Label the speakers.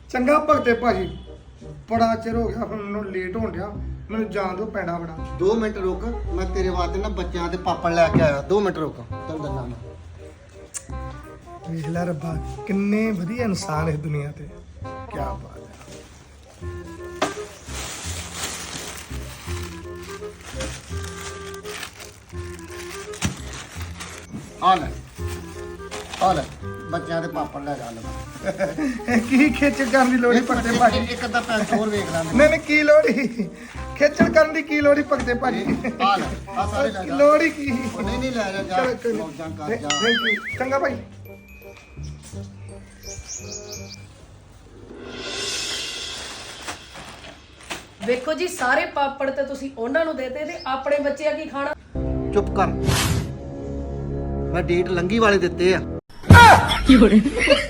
Speaker 1: ਚੰਗਾ ਭਗਤੇ ਭਾਜੀ ਬੜਾ ਚਿਰ ਹੋ ਗਿਆ ਹੁਣ ਮੈਨੂੰ ਲੇਟ ਹੋਣ ਡਿਆ ਮੈਨੂੰ ਜਾਣ ਦਿਓ ਪੈਣਾ ਬੜਾ
Speaker 2: 2 ਮਿੰਟ ਰੁਕ ਮੈਂ ਤੇਰੇ ਵਾਸਤੇ ਨਾ ਬੱਚਿਆਂ ਦੇ ਪਾਪੜ ਲੈ ਕੇ ਆਇਆ 2 ਮਿੰਟ ਰੁਕ ਤੈਨੂੰ ਦੱਸਣਾ ਮੈਂ
Speaker 1: ਵੇਖ ਲੈ ਰੱਬਾ ਕਿੰਨੇ ਵਧੀਆ ਇਨਸਾਨ ਇਸ ਦੁਨੀਆ ਤੇ ਕੀ ਬਾਤ ਹੈ
Speaker 2: ਆ ਲੈ ਬੱਚਿਆਂ ਦੇ ਪਾਪੜ ਲੈ ਜਾ ਲੈ
Speaker 1: ਕੀ ਖੇਚਲ ਕਰਨ ਦੀ ਲੋੜ ਹੀ ਭਗਤੇ ਭਾਜੀ
Speaker 2: ਇੱਕ ਅੱਧਾ ਪੈਸੇ ਹੋਰ ਵੇਖ ਲਾਂਗੇ
Speaker 1: ਨਹੀਂ ਨਹੀਂ ਕੀ ਲੋੜ ਹੀ ਖੇਚਲ ਕਰਨ ਦੀ ਕੀ ਲੋੜ ਹੀ ਭਗਤੇ ਭਾਜੀ
Speaker 2: ਆ ਲੈ ਆ ਸਾਰੇ ਲੈ ਜਾ
Speaker 1: ਲੋੜ ਹੀ ਕੀ
Speaker 2: ਉਹ ਨਹੀਂ ਲੈ ਜਾ ਜਾ ਮੌਜਾਂ ਕਰ ਜਾ
Speaker 1: ਥੈਂਕ ਯੂ ਚੰਗਾ ਭਾਈ
Speaker 3: ਵੇਖੋ ਜੀ ਸਾਰੇ ਪਾਪੜ ਤੇ ਤੁਸੀਂ ਉਹਨਾਂ ਨੂੰ ਦੇਤੇ ਤੇ ਆਪਣੇ ਬੱਚੇ ਆ ਕੀ ਖਾਣਾ
Speaker 2: ਚੁੱਪ ਕਰ ਮੈਂ ਡੇਟ ਲੰਗੀ ਵਾਲੇ ਦਿੱਤੇ ਆ